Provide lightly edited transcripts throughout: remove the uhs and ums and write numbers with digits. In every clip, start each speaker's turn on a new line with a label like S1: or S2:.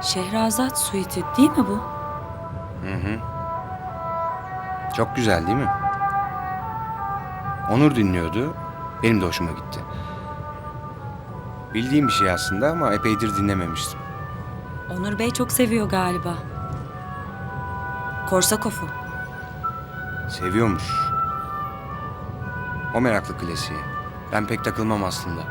S1: Şehrazat suiti değil mi bu?
S2: Hı hı. Çok güzel değil mi? Onur dinliyordu. Benim de hoşuma gitti. Bildiğim bir şey aslında ama epeydir dinlememiştim.
S1: Onur Bey çok seviyor galiba. Korsakoff'u.
S2: Seviyormuş. O meraklı klasiğe. Ben pek takılmam aslında.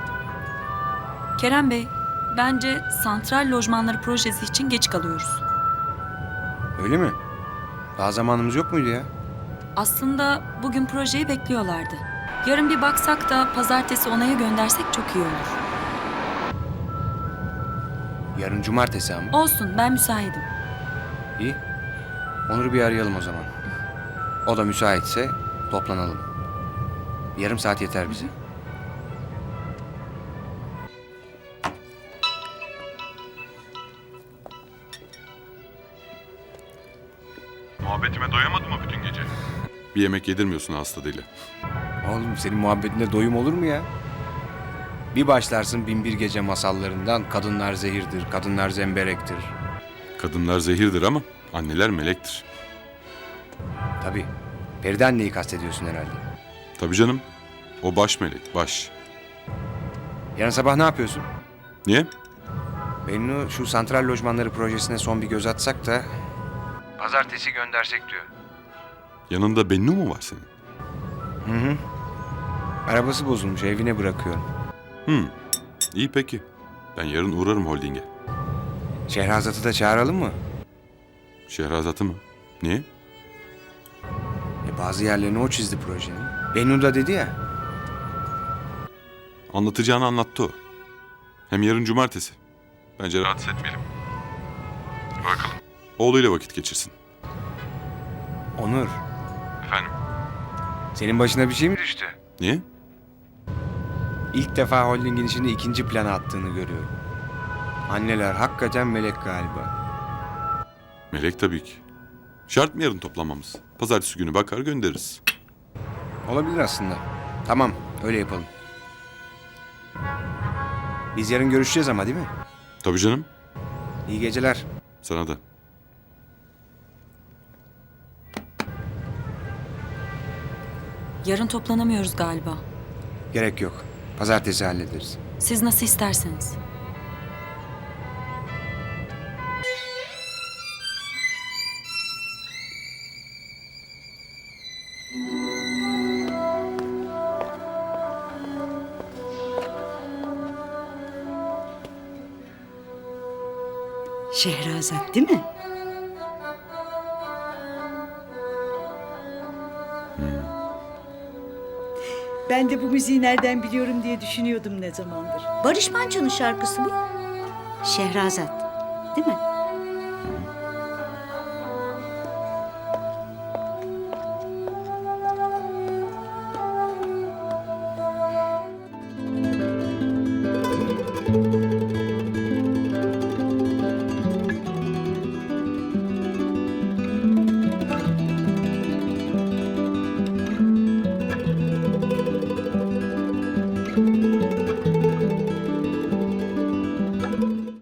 S1: Kerem Bey, bence santral lojmanları projesi için geç kalıyoruz.
S2: Öyle mi? Daha zamanımız yok muydu ya?
S1: Aslında bugün projeyi bekliyorlardı. Yarın bir baksak da pazartesi onaya göndersek çok iyi olur.
S2: Yarın cumartesi ama.
S1: Olsun, ben müsaitim.
S2: İyi. Onur'u bir arayalım o zaman. O da müsaitse toplanalım. Bir yarım saat yeter bize.
S3: Muhabbetime doyamadın mı bütün gece? Bir yemek yedirmiyorsun hasta dili.
S2: Oğlum senin muhabbetinde doyum olur mu ya? Bir başlarsın bin bir gece masallarından kadınlar zehirdir, kadınlar zemberektir.
S3: Kadınlar zehirdir ama anneler melektir.
S2: Tabii. Feride anneyi kastediyorsun herhalde.
S3: Tabii canım. O baş melek, baş.
S2: Yarın sabah ne yapıyorsun?
S3: Niye?
S2: Bennu şu santral lojmanları projesine son bir göz atsak da... Pazartesi göndersek diyor.
S3: Yanında Bennu mu var senin?
S2: Hı hı. Arabası bozulmuş, evine bırakıyorum.
S3: İyi peki. Ben yarın uğrarım holdinge.
S2: Şehrazat'ı da çağıralım mı?
S3: Şehrazat'ı mı? Niye?
S2: Bazı yerlerini o çizdi projenin. Bennu da dedi ya.
S3: Anlatacağını anlattı o. Hem yarın cumartesi. Bence rahatsız etmeyelim. Bakalım. Oğluyla vakit geçirsin.
S2: Onur,
S3: Efendim?
S2: senin başına bir şey mi düştü?
S3: Niye?
S2: İlk defa holdingin işini ikinci plana attığını görüyorum. Anneler hakikaten melek galiba.
S3: Melek tabii ki. Şart mı yarın toplanmamız? Pazartesi günü bakar göndeririz.
S2: Olabilir aslında. Tamam, öyle yapalım. Biz yarın görüşeceğiz ama değil mi?
S3: Tabii canım.
S2: İyi geceler.
S3: Sana da.
S1: Yarın toplanamıyoruz galiba.
S2: Gerek yok. Pazartesi hallederiz.
S1: Siz nasıl isterseniz.
S4: Şehrazat değil mi? Ben de bu müziği nereden biliyorum diye düşünüyordum ne zamandır. Barış Manço'nun şarkısı bu. Şehrazat değil mi?